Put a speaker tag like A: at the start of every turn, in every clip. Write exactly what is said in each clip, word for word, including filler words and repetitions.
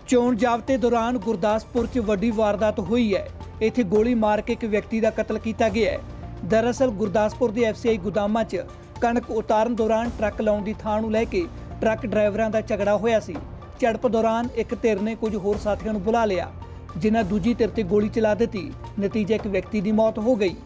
A: ਚੋਣ ਜਾਬਤੇ ਦੌਰਾਨ ਗੁਰਦਾਸਪੁਰ 'ਚ ਵੱਡੀ ਵਾਰਦਾਤ ਹੋਈ ਹੈ। ਇੱਥੇ ਗੋਲੀ ਮਾਰ ਕੇ ਇੱਕ ਵਿਅਕਤੀ ਦਾ ਕਤਲ ਕੀਤਾ ਗਿਆ ਹੈ। ਦਰਅਸਲ ਗੁਰਦਾਸਪੁਰ ਦੇ ਐਫ ਸੀ ਆਈ ਗੋਦਾਮਾਂ 'ਚ ਕਣਕ ਉਤਾਰਨ ਦੌਰਾਨ ਟਰੱਕ ਲਾਉਣ ਦੀ ਥਾਂ ਨੂੰ ਲੈ ਕੇ ਟਰੱਕ ਡਰਾਈਵਰਾਂ ਦਾ ਝਗੜਾ ਹੋਇਆ ਸੀ। ਝੜਪ ਦੌਰਾਨ ਇੱਕ ਧਿਰ ਨੇ ਕੁਝ ਹੋਰ ਸਾਥੀਆਂ ਨੂੰ ਬੁਲਾ ਲਿਆ, ਜਿਨ੍ਹਾਂ ਦੂਜੀ ਧਿਰ ਤੇ ਗੋਲੀ ਚਲਾ ਦਿੱਤੀ। ਨਤੀਜੇ ਇੱਕ ਵਿਅਕਤੀ ਦੀ ਮੌਤ ਹੋ ਗਈ।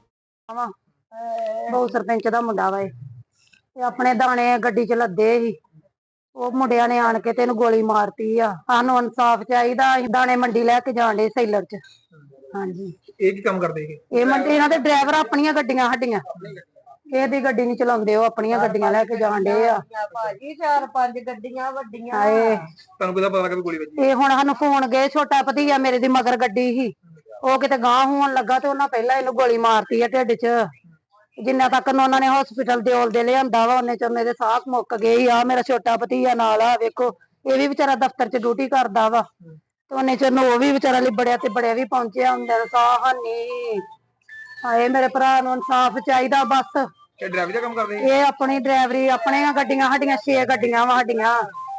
B: ਬਹੁਤ ਸਰਪੰਚ ਦਾ ਮੁੰਡਾ ਵਾ ਇਹ ਆਪਣੇ ਦਾਣੇ ਗੱਡੀ ਚ ਲੱਦੇ ਸੀ। ਉਹ ਮੁੰਡਿਆਂ ਨੇ ਆਣ ਕੇ ਤੈਨੂੰ ਗੋਲੀ ਮਾਰਤੀ ਆ। ਸਾਨੂੰ ਇਨਸਾਫ ਚਾਹੀਦਾ। ਅਸੀਂ ਦਾਣੇ ਮੰਡੀ ਲੈ ਕੇ ਜਾਣ ਦੇ ਸੇਲਰ ਚ। ਹਾਂਜੀ,
C: ਇਹ ਕੀ ਕੰਮ ਕਰਦੇ ਸੀ?
B: ਇਹ ਮੰਡੀ ਇਹਨਾਂ ਦੇ ਡਰਾਈਵਰ ਆਪਣੀਆਂ ਗੱਡੀਆਂ ਸਾਡੀਆਂ ਇਹਦੀ ਗੱਡੀ ਨਹੀਂ ਚਲਾਉਂਦੇ, ਉਹ ਆਪਣੀਆਂ ਗੱਡੀਆਂ ਲੈ ਕੇ ਜਾਣ ਦੇ ਆ।
D: ਭਾਜੀ ਚਾਰ ਪੰਜ ਗੱਡੀਆਂ ਵੱਡੀਆਂ।
B: ਹਾਏ,
C: ਤੁਹਾਨੂੰ ਕਿਹਦਾ ਪਤਾ ਲੱਗਾ ਵੀ ਗੋਲੀ ਵੱਜੀ?
B: ਇਹ ਹੁਣ ਸਾਨੂੰ ਫੋਨ ਗਏ, ਛੋਟਾ ਭਤੀਆ ਮੇਰੇ ਦੀ ਮਗਰ ਗੱਡੀ ਸੀ, ਉਹ ਕਿਤੇ ਗਾਂਹ ਹੋਣ ਲੱਗਾ ਤੇ ਉਹਨਾਂ ਪਹਿਲਾਂ ਇਹਨੂੰ ਗੋਲੀ ਮਾਰਤੀ ਆ ਢਿੱਡ ਚ। ਜਿੰਨਾ ਤੱਕ ਉਹਨਾਂ ਨੇ ਹਸਪੀਟਲ ਦੇ ਔਲ ਦੇ ਲਿਆਂਦਾ ਵਾ ਉਹਨੇ ਚ ਮੇਰੇ ਸਾਹ ਮੁੱਕ ਗਏ। ਆ ਮੇਰਾ ਛੋਟਾ ਭਤੀਆ ਨਾਲ ਆ, ਵੇਖੋ ਇਹ ਵੀ ਵਿਚਾਰਾ ਦਫ਼ਤਰ ਚ ਡਿਊਟੀ ਕਰਦਾ ਵਾ ਤੇ ਉਹਨੇ ਚ ਉਹ ਵੀ ਵਿਚਾਰਾ ਲਿਬੜਿਆ ਤੇ ਬੜਿਆ ਵੀ ਪਹੁੰਚਿਆ ਹੁੰਦਾ ਸਾਹ ਹਾਨੀ। ਹਾਏ, ਮੇਰੇ ਭਰਾ ਨੂੰ ਇਨਸਾਫ ਚਾਹੀਦਾ ਬਸ।
C: ਇਹ ਡਰਾਈਵਰ ਦਾ ਕੰਮ ਕਰਦੇ ਸੀ?
B: ਇਹ ਆਪਣੀ ਡਰਾਈਵਰੀ ਆਪਣੀਆਂ ਗੱਡੀਆਂ ਸਾਡੀਆਂ ਛੇ ਗੱਡੀਆਂ ਵਾ ਸਾਡੀਆਂ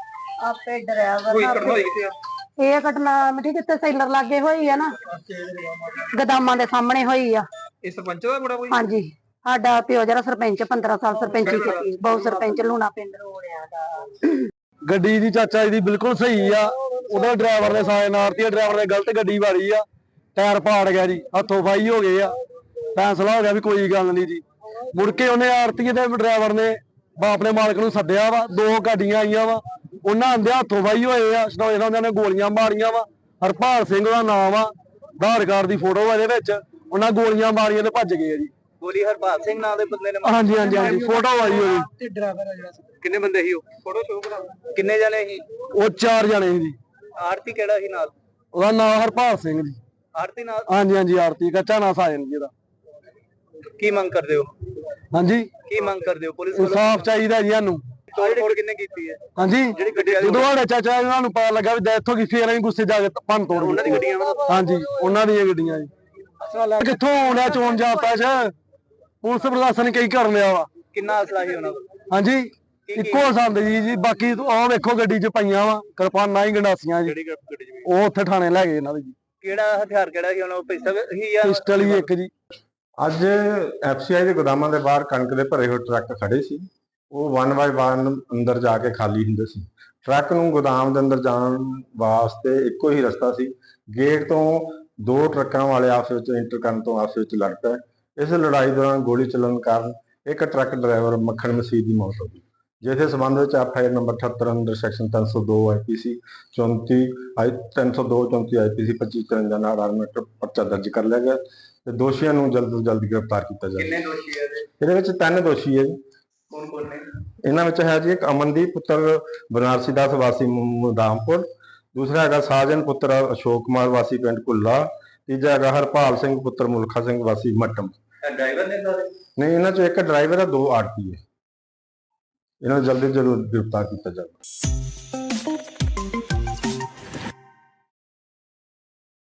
B: ਆਪੇ ਡਰਾਈਵਰ।
C: ਕੋਈ ਘਟਨਾ ਹੋਈ ਕਿੱਥੇ ਆ?
B: ਇਹ ਘਟਨਾ ਮਿੱਠੀ ਕਿਤੇ ਸੈਲਰ ਲਾਗੇ ਹੋਈ ਆ ਨਾ, ਗੋਦਾਮਾਂ ਦੇ ਸਾਹਮਣੇ ਹੋਈ ਆ।
C: ਇਹ ਸਰਪੰਚ ਦਾ ਮੁੰਡਾ ਕੋਈ?
B: ਹਾਂਜੀ, ਸਾਡਾ ਪਿਓ ਜਿਹੜਾ ਸਰਪੰਚ ਪੰਦਰਾਂ ਸਾਲ ਸਰਪੰਚੀ ਕੀਤੀ, ਬਹੁਤ ਸਰਪੰਚ ਲੂਣਾ ਪਿੰਡ ਰੋੜਿਆ ਦਾ।
E: ਗੱਡੀ ਦੀ ਚਾਚਾ ਜੀ ਦੀ ਬਿਲਕੁਲ ਸਹੀ ਆ। ਉਹਦਾ ਡਰਾਈਵਰ ਨੇ ਸਾਇਨ ਮਾਰਤੀ ਆ, ਡਰਾਈਵਰ ਨੇ ਗਲਤ ਗੱਡੀ ਵਾਰੀ ਆ, ਟਾਇਰ ਪਾੜ ਗਿਆ ਜੀ, ਹੱਥੋਂ ਫਾਈ ਹੋ ਗਏ ਆ। ਫੈਸਲਾ ਹੋ ਗਿਆ ਵੀ ਕੋਈ ਗੱਲ ਨਹੀਂ ਜੀ। ਮੁੜ ਕੇ ਉਹਨੇ ਆਰਤੀ ਦੇ ਡਰਾਈਵਰ ਨੇ ਆਪਣੇ ਮਾਲਕ ਨੂੰ ਸੱਦਿਆ ਵਾ, ਦੋ ਗੱਡੀਆਂ ਆਈਆਂ ਵਾ, ਉਹਨਾਂ ਆਂਦੇ ਹੱਥੋਂ ਫਾਈ ਹੋਏ ਆ। ਉਹਨਾਂ ਨੇ ਗੋਲੀਆਂ ਮਾਰੀਆਂ ਵਾ। ਹਰਪਾਲ ਸਿੰਘ ਦਾ ਨਾਮ ਆ, ਆਧਾਰ ਕਾਰਡ ਦੀ ਫੋਟੋ ਆ ਇਹਦੇ ਵਿੱਚ। ਉਹਨਾਂ ਗੋਲੀਆਂ ਮਾਰੀਆਂ ਤੇ ਭੱਜ ਗਏ ਆ ਜੀ।
C: ਗੋਲੀ ਹਰਪਾਲ ਸਿੰਘ ਨਾਂ ਦੇ ਬੰਦੇ ਨੇ?
E: ਹਾਂਜੀ ਹਾਂਜੀ ਹਾਂਜੀ, ਫੋਟੋ ਆਈ ਹੋਈ।
C: ਤੇ ਡਰਾਈਵਰ ਆ ਜਿਹੜਾ? ਕਿੰਨੇ ਬੰਦੇ ਸੀ ਉਹ? ਫੋਟੋ ਸ਼ੋ ਕਰਾ। ਕਿੰਨੇ ਜਣੇ ਸੀ
E: ਉਹ? ਚਾਰ ਜਣੇ ਸੀ ਜੀ।
C: ਆਰਤੀ ਕਿਹੜਾ ਸੀ ਨਾਲ?
E: ਉਹਦਾ ਨਾਮ ਹਰਪਾਲ ਸਿੰਘ ਜੀ।
C: ਆਰਤੀ ਨਾਲ?
E: ਹਾਂਜੀ ਹਾਂਜੀ, ਆਰਤੀ ਕੱਚਾ ਨਾ ਸਾਜਨ ਜੀ ਦਾ।
C: ਕੀ ਮੰਗ ਕਰਦੇ ਹੋ?
E: ਹਾਂਜੀ,
C: ਕੀ ਮੰਗ ਕਰਦੇ ਹੋ? ਪੁਲਿਸ ਵੱਲੋਂ
E: ਇਨਸਾਫ ਚਾਹੀਦਾ ਜੀ ਸਾਨੂੰ।
C: ਤੋੜ ਫੋੜ ਕਿੰਨੇ ਕੀਤੀ ਹੈ?
E: ਹਾਂਜੀ,
C: ਜਿਹੜੀ ਗੱਡੀ ਵਾਲੀ
E: ਜਦੋਂ ਸਾਡੇ ਚਾਚਾ ਇਹਨਾਂ ਨੂੰ ਪਤਾ ਲੱਗਾ ਵੀ ਡੈਥ ਹੋ ਗਈ, ਫੇਰ ਅਸੀਂ ਗੁੱਸੇ ਜਾ ਕੇ ਭੰਨ ਤੋੜ
C: ਉਹਨਾਂ ਦੀ ਗੱਡੀਆਂ ਵਾ?
E: ਹਾਂਜੀ, ਉਹਨਾਂ ਦੀਆਂ ਗੱਡੀਆਂ ਜੀ। ਕਿੱਥੋਂ ਆਉਣਾ ਚੋਣ ਜਾਪਦਾ ਚ? ਪੁਲਿਸ ਪ੍ਰਸ਼ਾਸਨ ਨੇ ਕਈ ਕਰ ਲਿਆ ਵਾ।
C: ਕਿੰਨਾ ਅਸਲਾ ਸੀ ਉਹਨਾਂ ਕੋਲ?
E: ਹਾਂਜੀ, ਇੱਕੋ ਸੰਦ ਜੀ ਜੀ। ਬਾਕੀ ਆਹ ਵੇਖੋ ਗੱਡੀ ਚ ਪਈਆਂ ਵਾ ਕਿਰਪਾਨਾਂ ਹੀ ਗੰਡਾਸੀਆਂ ਜੀ।
C: ਜਿਹੜੀ ਗੱਡੀ ਚ?
E: ਉਹ ਉੱਥੇ ਥਾਣੇ ਲੈ ਗਏ ਇਹਨਾਂ ਦੇ ਜੀ।
C: ਕਿਹੜਾ ਹਥਿਆਰ ਕਿਹੜਾ ਸੀ ਉਹਨਾਂ ਕੋਲ? ਪਿਸਤਲ ਸੀ ਜਾਂ
E: ਪਿਸਟਲ ਹੀ ਇੱਕ ਜੀ।
F: ਅੱਜ ਐਫ ਸੀ ਆਈ ਦੇ ਗੋਦਾਮਾਂ ਦੇ ਬਾਹਰ ਕਣਕ ਦੇ ਭਰੇ ਹੋਏ ਟਰੱਕ ਖੜੇ ਸੀ। ਉਹ ਵਨ ਬਾਏ ਵਨ ਅੰਦਰ ਜਾ ਕੇ ਖਾਲੀ ਹੁੰਦੇ ਸੀ। ਟਰੱਕ ਨੂੰ ਗੋਦਾਮ ਦੇ ਅੰਦਰ ਜਾਣ ਵਾਸਤੇ ਇੱਕੋ ਹੀ ਰਸਤਾ ਸੀ। ਗੇਟ ਤੋਂ ਦੋ ਟਰੱਕਾਂ ਵਾਲੇ ਆਪਸ ਵਿੱਚ ਇੰਟਰ ਕਰਨ ਤੋਂ ਆਪਸ ਵਿੱਚ ਲੜ ਪਏ। ਇਸ ਲੜਾਈ ਦੌਰਾਨ ਗੋਲੀ ਚੱਲਣ ਕਾਰਨ ਇੱਕ ਟਰੱਕ ਡਰਾਈਵਰ ਮੱਖਣ ਮਸੀਹ ਦੀ ਮੌਤ ਹੋ ਗਈ, ਜਿਸ ਦੇ ਸੰਬੰਧ ਵਿੱਚ ਐਫ ਆਈ ਆਰ ਨੰਬਰ ਅਠੱਤਰ ਅੰਦਰ ਸੈਕਸ਼ਨ ਤਿੰਨ ਸੌ ਦੋ ਆਈ ਪੀ ਸੀ ਚੌਂਤੀ ਆਈ ਤਿੰਨ ਸੌ ਦੋ ਚੌਂਤੀ ਆਈ ਪੀ ਸੀ ਪੱਚੀ ਚੁਰੰਜਾ ਨਾਲ ਆਰਮੇਟਰ ਪਰਚਾ ਦਰਜ ਕਰ ਲਿਆ ਗਿਆ ਤੇ ਦੋਸ਼ੀਆਂ ਨੂੰ ਜਲਦ ਤੋਂ ਜਲਦ ਗ੍ਰਿਫਤਾਰ ਕੀਤਾ ਜਾਵੇ।
C: ਕਿੰਨੇ ਦੋਸ਼ੀ ਹੈ ਇਹਦੇ?
F: ਇਹਦੇ ਵਿੱਚ ਤਿੰਨ ਦੋਸ਼ੀ ਹੈ ਜੀ।
C: ਕੌਣ ਕੌਣ ਨੇ?
F: ਇਹਨਾਂ ਵਿੱਚ ਹੈ ਜੀ ਇੱਕ ਅਮਨਦੀਪ ਪੁੱਤਰ ਬਨਾਰਸੀ ਦਾਸ ਵਾਸੀ ਮੁਦਾਮਪੁਰ, ਦੂਸਰਾ ਹੈਗਾ ਸਾਜਨ ਪੁੱਤਰ ਅਸ਼ੋਕ ਕੁਮਾਰ ਵਾਸੀ ਪਿੰਡ ਕੁੱਲਾ, ਤੀਜਾ ਹੈਗਾ ਹਰਪਾਲ ਸਿੰਘ ਪੁੱਤਰ ਮੁਲਖਾ ਸਿੰਘ ਵਾਸੀ ਮੱਟਮ।
C: ਡਰਾਈਵਰ ਨੇ ਸਾਰੇ?
F: ਨਹੀਂ, ਇਹਨਾਂ ਚੋਂ ਇੱਕ ਡਰਾਈਵਰ ਹੈ, ਦੋ ਆਰਪੀ ਹੈ। ਇਹਨਾਂ ਨੂੰ ਜਲਦੀ ਜਲਦ ਗ੍ਰਿਫਤਾਰ ਕੀਤਾ ਜਾਵੇ।